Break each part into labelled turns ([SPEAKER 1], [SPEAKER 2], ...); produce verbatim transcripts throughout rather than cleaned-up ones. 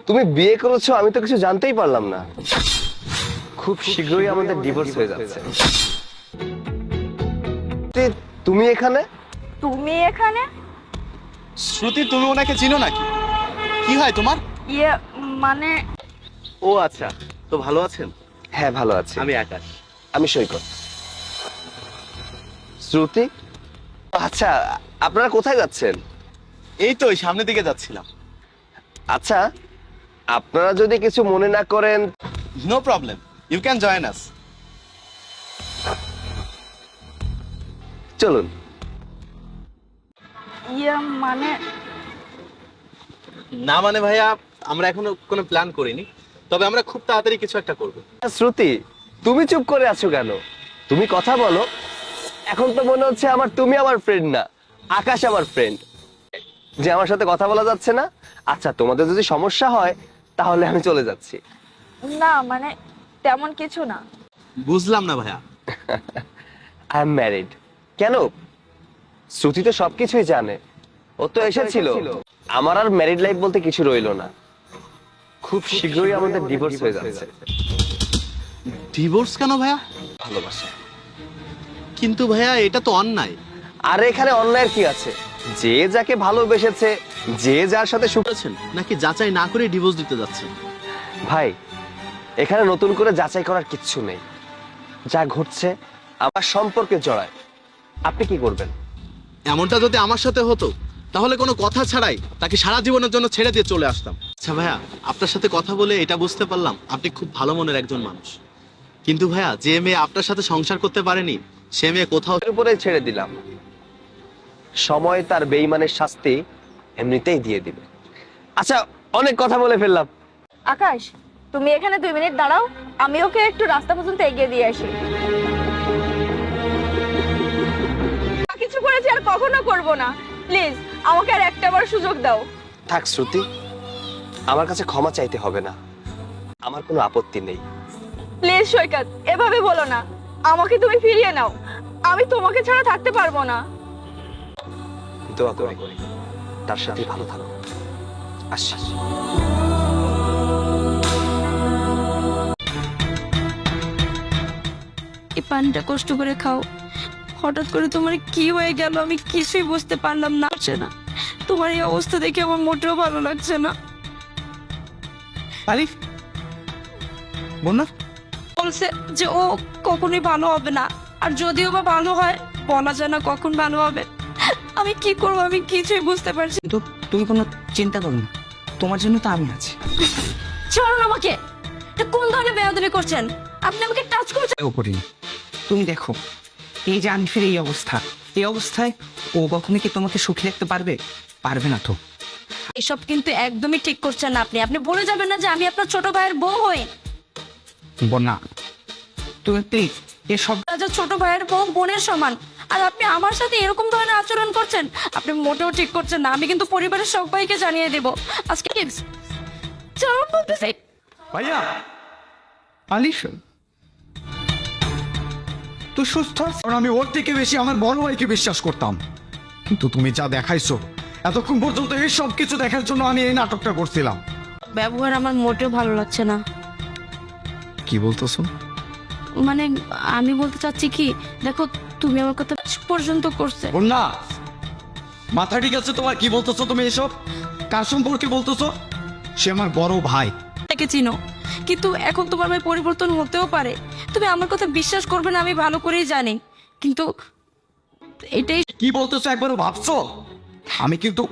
[SPEAKER 1] তুমি বিয়ে করেছো আমি তো কিছু জানতেই পারলাম না। খুব শীঘ্রই আমাদের ডিভোর্স হয়ে যাচ্ছে। তে- তুমি এখানে?
[SPEAKER 2] তুমি এখানে?
[SPEAKER 3] শ্রুতি, তুমি ওনাকে চিনো নাকি? কি হয় তোমার?
[SPEAKER 2] ইয়ে মানে
[SPEAKER 4] ও আচ্ছা, তো ভালো আছেন?
[SPEAKER 1] হ্যাঁ ভালো আছি।
[SPEAKER 4] আমি আকাশ।
[SPEAKER 1] আমি সৈকত। শ্রুতি, আচ্ছা আপনারা কোথায় যাচ্ছেন?
[SPEAKER 3] এই তো ওই সামনের দিকে যাচ্ছিলাম।
[SPEAKER 1] আচ্ছা আপনারা যদি কিছু মনে না করেন।
[SPEAKER 3] No problem, you can join us.
[SPEAKER 1] চলুন।
[SPEAKER 2] ইয়ে মানে
[SPEAKER 4] না মানে ভাইয়া, আমরা এখনো কোনো প্ল্যান করিনি, তবে আমরা খুব তাড়াতাড়ি কিছু একটা করব।
[SPEAKER 1] শ্রুতি, তুমি চুপ করে আছো কেন? তুমি কথা বলো। এখন তো মনে হচ্ছে আমার তুমি আমার ফ্রেন্ড না, আকাশ আমার ফ্রেন্ড, যে আমার সাথে কথা বলা যাচ্ছে না। আচ্ছা তোমাদের যদি সমস্যা হয় তাহলে আমি চলে যাচ্ছি।
[SPEAKER 2] না মানে তেমন কিছু না।
[SPEAKER 4] বুঝলাম না ভাইয়া।
[SPEAKER 1] I am married. কেন? শ্রুতি তো সবকিছুই জানে, ও তো এসেছিল। আমার আর ম্যারিড লাইফ বলতে কিছু রইলো না। খুব শীঘ্রই আমাদের ডিভোর্স হয়ে যাচ্ছে।
[SPEAKER 4] ডিভোর্স কেন ভাইয়া?
[SPEAKER 1] ভালোবাসা।
[SPEAKER 4] কিন্তু ভাইয়া এটা তো অন্যায়।
[SPEAKER 1] আর এখানে অন্যায়ের কি আছে? যে যাকে ভালোবেসেছে, যে যার সাথে সুখ।
[SPEAKER 4] বলেছেন নাকি যাচাই না করে ডিভোর্স দিতে যাচ্ছেন?
[SPEAKER 1] ভাই এখানে নতুন করে যাচাই করার কিচ্ছু নেই। যা ঘটছে আমার সম্পর্কে জড়ায়। আপনি কি করবেন?
[SPEAKER 4] এমনটা যদি আমার সাথে হতো তাহলে কোনো কথা ছাড়াই তাকে সারা জীবনের জন্য ছেড়ে দিয়ে চলে আসতাম। আচ্ছা ভাইয়া, আপনার সাথে কথা বলে এটা বুঝতে পারলাম আপনি খুব ভালো মনের একজন মানুষ। কিন্তু ভাইয়া, যে মেয়ে আপনার সাথে সংসার করতে পারেনি সে মেয়ে কোথাও।
[SPEAKER 1] এর উপরে ছেড়ে দিলাম। সময় তার বেঈমানের শাস্তি এমনিতেই দিয়ে দিবে। আচ্ছা অনেক কথা বলে ফেললাম।
[SPEAKER 2] আকাশ, তুমি এখানে দুই মিনিট দাঁড়াও, আমি ওকে একটু রাস্তা পর্যন্ত এগিয়ে দিয়ে আসি। যা কিছু করেছি আর কখনো করব না, প্লিজ আমাকে আর একটাবার সুযোগ দাও।
[SPEAKER 1] থাক শ্রুতি, আমার কাছে ক্ষমা চাইতে হবে না, আমার কোনো আপত্তি নেই।
[SPEAKER 2] প্লিজ সৈকত, এভাবে বলো না। আমাকে তুমি ফিরিয়ে নাও, আমি তোমাকে ছাড়া থাকতে পারবো না।
[SPEAKER 1] দোয়া করি তার সাথে ভালো থাকো। আসছি।
[SPEAKER 5] এই পানিটা কষ্ট করে খাও। হঠাৎ করে তোমার কি হয়ে গেল আমি কিছুই বুঝতে পারলাম না। হচ্ছে না, তোমার এই অবস্থা দেখে আমার মোটেও ভালো লাগছে না।
[SPEAKER 6] আলিফ বন্যা,
[SPEAKER 5] বলছে যে ও কখনোই ভালো হবে না, আর যদিও বা ভালো হয় বলা যায় না কখন ভালো হবে। আমি কি করবো আমি কিছুই বুঝতে পারছি না।
[SPEAKER 6] তো তুমি কোনো চিন্তা করো না, তোমার জন্য তো আমি আছি।
[SPEAKER 5] ছাড়ুন আমাকে। এটা কোন ধরনের বেয়াদবি করছেন আপনি? আমাকে টাচ করছেন।
[SPEAKER 6] ও করি, তুমি দেখো এই যে আনিফের এই অবস্থা, এই অবস্থায় ও কখনো কি তোমাকে সুখী রাখতে পারবে? পারবে না তো।
[SPEAKER 5] এসব কিন্তু একদমই ঠিক করছেন না আপনি। আপনি বলে যাবেন না যে আমি আপনার ছোট ভাইয়ের বউ হই।
[SPEAKER 6] বন্যা তুমি প্লিজ এসব।
[SPEAKER 5] রাজা ছোট ভাইয়ের বউ বোনের সমান, আর আপনি আমার সাথে এরকম ধরনের আচরণ করছেন, আপনি মোটেও ঠিক করছেন না। আমি কিন্তু পরিবারের সবাইকে জানিয়ে দেব আজকে। চলুন বলতেছি।
[SPEAKER 6] ভাইয়া আলিফ তুই সুস্থ আছিস? কারণ আমি ওর থেকে বেশি আমার বড় ভাইকে বিশ্বাস করতাম, কিন্তু তুমি যা দেখাইছো এতক্ষণ পর্যন্ত এই সব কিছু দেখার জন্য আমি এই নাটকটা করছিলাম।
[SPEAKER 5] ব্যবহার আমার মোটেও ভালো লাগছে না।
[SPEAKER 6] কি বলতেছো?
[SPEAKER 5] মানে আমি বলতে চাচ্ছি কি, দেখো তুমি আমার কথা শেষ পর্যন্ত করছে।
[SPEAKER 6] বন্যা মাথা ঠিক আছে তোমার? কি বলতেছো তুমি এসব? কার সম্পর্কে বলতেছো? সে আমার বড় ভাই।
[SPEAKER 5] তাকে চিনো, কিন্তু এখন তোমার ভাই পরিবর্তন হতেও পারে। তুমি আমার কথা বিশ্বাস করবে না আমি ভালো করেই জানি, কিন্তু এটাই।
[SPEAKER 6] কি বলতেছো একবারও ভাবছো? আমি কিন্তু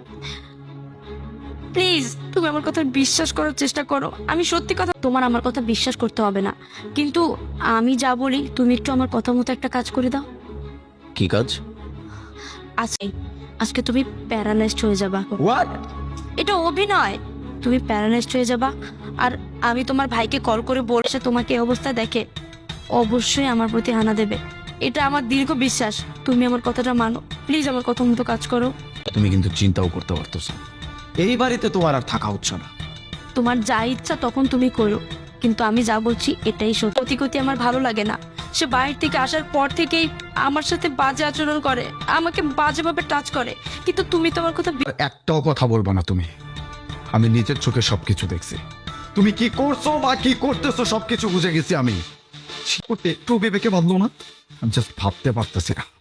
[SPEAKER 5] প্লিজ তুমি আমার কথা বিশ্বাস করার চেষ্টা করো। আমি সত্যি কথা, তোমার আমার কথা বিশ্বাস করতে হবে না, কিন্তু আমি যা বলি তুমি একটু আমার কথা মতো একটা কাজ করে দাও।
[SPEAKER 6] কি কাজ?
[SPEAKER 5] আজকে আজকে তুমি প্যারালাইজড হয়ে যাবা।
[SPEAKER 6] হোয়াট?
[SPEAKER 5] এটা অভিনয়। তুমি প্যারালাইজড হয়ে যাবা, আর আমি তোমার ভাইকে কল করে বলছে তোমাকে এই অবস্থা দেখে অবশ্যই আমার প্রতি হানা দেবে। এটা আমার দীর্ঘ বিশ্বাস। তুমি আমার কথাটা মানো, প্লিজ আমার কথা মতো কাজ করো।
[SPEAKER 6] তুমি কিন্তু চিন্তাও করতে পারতেছো এই বাড়িতে তোমার আর থাকা হচ্ছে না।
[SPEAKER 5] তোমার যা ইচ্ছা তখন তুমি করো, কিন্তু আমি যা বলছি এটাই সত্যি। কতি কতি আমার ভালো লাগে না। সে বাইরে থেকে আসার পর থেকেই আমার সাথে বাজে আচরণ করে, আমাকে বাজেভাবে টাচ করে, কিন্তু তুমি তোমার কথা বি-
[SPEAKER 6] একটাও কথা বলবো না তুমি। আমি নিজের চোখে সবকিছু দেখছি। তুমি কি করছো বা কি করতেছো সবকিছু বুঝে গেছি আমি। করতে একটু বিবেকে বাঁধলো না, আমি জাস্ট ভাবতে পারতেছি না।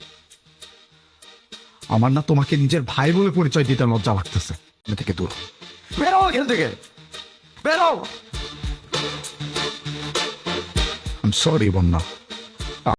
[SPEAKER 6] আমার না তোমাকে নিজের ভাই বলে পরিচয় দিতে লজ্জা লাগতেছে। এখান থেকে দূর বেরো, এখান থেকে বেরো। আই এম সরি বন্যা।